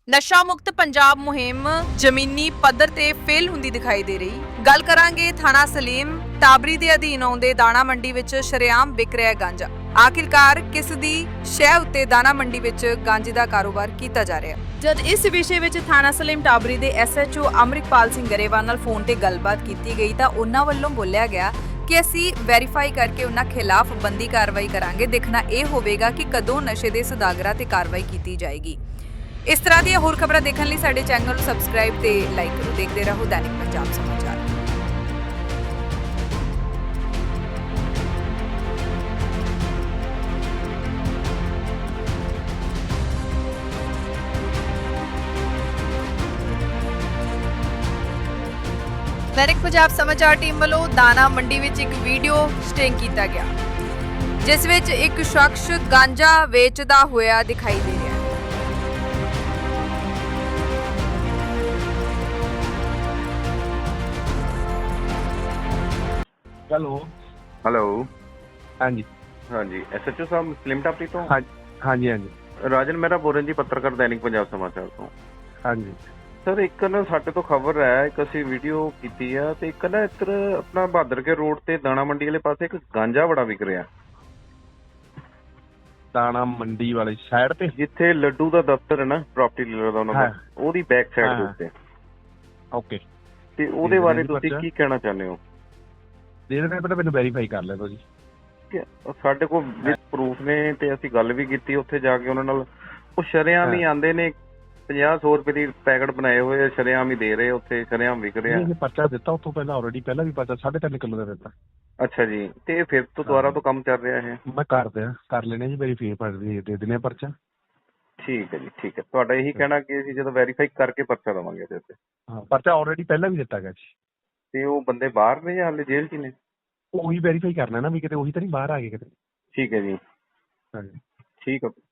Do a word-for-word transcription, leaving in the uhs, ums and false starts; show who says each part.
Speaker 1: ਨਸ਼ਾ ਮੁਕਤ ਪੰਜਾਬ ਮੁਹਿੰਮ ਜ਼ਮੀਨੀ ਪੱਧਰ ਤੇ ਫੇਲ ਹੁੰਦੀ ਦਿਖਾਈ ਦੇ ਰਹੀ। ਗੱਲ ਕਰਾਂਗੇ ਥਾਣਾ ਸਲੀਮ ਟਾਬਰੀ ਦੇ ਅਧੀਨ ਆਉਂਦੇ ਦਾਣਾ ਮੰਡੀ ਵਿੱਚ ਸ਼ਰੇਆਮ ਵਿਕ ਰਿਹਾ ਗਾਂਜਾ। ਆਖਿਰਕਾਰ ਕਿਸ ਦੀ ਸ਼ਹਿ ਉੱਤੇ ਦਾਣਾ ਮੰਡੀ ਵਿੱਚ ਗਾਂਜੇ ਦਾ ਕਾਰੋਬਾਰ ਕੀਤਾ ਜਾ ਰਿਹਾ। ਜਦ ਇਸ ਵਿਸ਼ੇ ਵਿੱਚ ਥਾਣਾ ਸਲੀਮ ਟਾਬਰੀ ਦੇ S H O Amritpal Singh Grewal ਨਾਲ ਫੋਨ ਤੇ ਗੱਲਬਾਤ ਕੀਤੀ ਗਈ ਤਾਂ ਉਹਨਾਂ ਵੱਲੋਂ ਬੋਲਿਆ ਗਿਆ ਕਿ ਅਸੀਂ ਵੈਰੀਫਾਈ ਕਰਕੇ ਉਹਨਾਂ ਖਿਲਾਫ ਬੰਦੀ ਕਾਰਵਾਈ ਕਰਾਂਗੇ। ਦੇਖਣਾ ਇਹ ਹੋਵੇਗਾ ਕਿ ਕਦੋਂ ਨਸ਼ੇ ਦੇ ਸੌਦਾਗਰਾਂ ਤੇ ਕਾਰਵਾਈ ਕੀਤੀ ਜਾਏਗੀ। ਇਸ ਤਰ੍ਹਾਂ ਦੀਆਂ ਹੋਰ ਖਬਰਾਂ ਦੇਖਣ ਲਈ ਸਾਡੇ ਚੈਨਲ ਨੂੰ ਸਬਸਕ੍ਰਾਈਬ ਤੇ ਲਾਈਕ ਕਰੋ। ਦੇਖਦੇ ਰਹੋ ਦੈਨਿਕ ਪੰਜਾਬ ਸਮਾਚਾਰ। ਦੈਨਿਕ ਪੰਜਾਬ ਸਮਾਚਾਰ ਟੀਮ ਵੱਲੋਂ ਦਾਣਾ ਮੰਡੀ ਵਿੱਚ ਇੱਕ ਵੀਡੀਓ ਸਟਿੰਗ ਕੀਤਾ ਗਿਆ, ਜਿਸ ਵਿੱਚ ਇੱਕ ਸ਼ਖਸ ਗਾਂਜਾ ਵੇਚਦਾ ਹੋਇਆ ਦਿਖਾਈ ਦੇ ਰਿਹਾ ਹੈ।
Speaker 2: Hello
Speaker 3: hello.
Speaker 2: हाँ जी
Speaker 3: हाँ जी, एस एच ओ साहब स्लिम टापरी तो
Speaker 2: हाँ हाँ जी हाँ जी
Speaker 3: राजन मेहरा बोल रहे जी, पत्रकार दैनिक पंजाब समाचार ਤੋਂ।
Speaker 2: हाँ जी
Speaker 3: ਸਰ ਇੱਕ ਨਾ ਸਾਡੇ ਤੋਂ ਖਬਰ ਹੈ, ਇੱਕ ਅਸੀਂ ਵੀਡੀਓ ਕੀਤੀ ਆ ਤੇ ਇੱਕ ਨਾ ਇੱਧਰ ਆਪਣਾ ਬਹਾਦਰ ਕੇ ਰੋਡ ਤੇ ਦਾਣਾ ਮੰਡੀ ਵਾਲੇ ਪਾਸੇ ਇੱਕ ਗਾਂਜਾ ਬੜਾ ਵਿਕ ਰਿਹਾ,
Speaker 2: दाना मंडी वाली साइड पे।
Speaker 3: ਜਿੱਥੇ ਲੱਡੂ ਦਾ ਦਫ਼ਤਰ ਹੈ ਨਾ, ਪ੍ਰਾਪਰਟੀ ਡੀਲਰ ਦਾ ਉਹਨਾਂ ਦਾ, ਉਹਦੀ ਬੈਕ ਸਾਈਡ ਦੇ ਉੱਤੇ।
Speaker 2: ओके
Speaker 3: ਤੇ ਉਹਦੇ ਬਾਰੇ ਤੁਸੀਂ ਕੀ ਕਹਿਣਾ ਚਾਹੁੰਦੇ ਹੋ?
Speaker 2: ਇਹਦੇ ਨਾਲ ਪਹਿਲਾਂ ਮੈਨੂੰ ਵੈਰੀਫਾਈ ਕਰ ਲੈਣਾ ਜੀ।
Speaker 3: ਕਿ ਸਾਡੇ ਕੋਲ ਵਿਦ ਪ੍ਰੂਫ ਨੇ ਤੇ ਅਸੀਂ ਗੱਲ ਵੀ ਕੀਤੀ ਉੱਥੇ ਜਾ ਕੇ ਉਹਨਾਂ ਨਾਲ। ਉਹ ਸ਼ਰੇਆਮ ਹੀ ਆਂਦੇ ਨੇ, ਪੰਜਾਹ ਸੌ ਰੁਪਏ ਦੀ ਪੈਕਟ ਬਣਾਏ ਹੋਏ ਸ਼ਰੇਆਮ ਹੀ ਦੇ ਰਹੇ, ਉੱਥੇ ਸ਼ਰੇਆਮ ਵਿਕ ਰਿਹਾ।
Speaker 2: ਇਹ ਪਰਚਾ ਦਿੱਤਾ ਉਤੋਂ ਪਹਿਲਾਂ, ਆਲਰੇਡੀ ਪਹਿਲਾਂ ਵੀ ਪਰਚਾ ਸਾਢੇ ਤਿੰਨ ਕਿਲੋ ਦਾ ਦਿੱਤਾ।
Speaker 3: ਅੱਛਾ ਜੀ, ਤੇ ਫਿਰ ਤੋਂ ਦੁਬਾਰਾ ਤੋਂ ਕੰਮ ਚੱਲ ਰਿਹਾ ਹੈ?
Speaker 2: ਮੈਂ ਕਰ ਦਿਆਂ ਕਰ ਲੈਣੇ ਜੀ, ਵੈਰੀਫਾਈ ਦੇ ਦਿੰਦੇ ਪਰਚਾ।
Speaker 3: ਠੀਕ ਹੈ ਜੀ, ਠੀਕ ਹੈ। ਤੁਹਾਡਾ ਇਹੀ ਕਹਿਣਾ ਕਿ ਅਸੀਂ ਜਦੋਂ ਵੈਰੀਫਾਈ ਕਰਕੇ ਪਰਚਾ ਦੇਵਾਂਗੇ ਇਹਦੇ ਉੱਤੇ?
Speaker 2: ਹਾਂ, ਪਰਚਾ ਆਲਰੇਡੀ ਪਹਿਲਾਂ ਵੀ ਦਿੱਤਾ ਗਿਆ ਜੀ।
Speaker 3: ਤੇ ਉਹ ਬੰਦੇ ਬਾਹਰ ਨੇ ਜਾਂ ਹਾਲੇ ਜੇਲ੍ਹ 'ਚ ਨੇ?
Speaker 2: ਉਹੀ ਵੈਰੀਫਾਈ ਕਰਨਾ ਨਾ ਵੀ ਕਿਤੇ ਉਹੀ ਤਾਂ ਨਹੀਂ ਬਾਹਰ ਆ ਗਏ ਕਿਤੇ।
Speaker 3: ਠੀਕ ਹੈ ਜੀ,
Speaker 2: ਹਾਂਜੀ
Speaker 3: ਠੀਕ ਹੈ।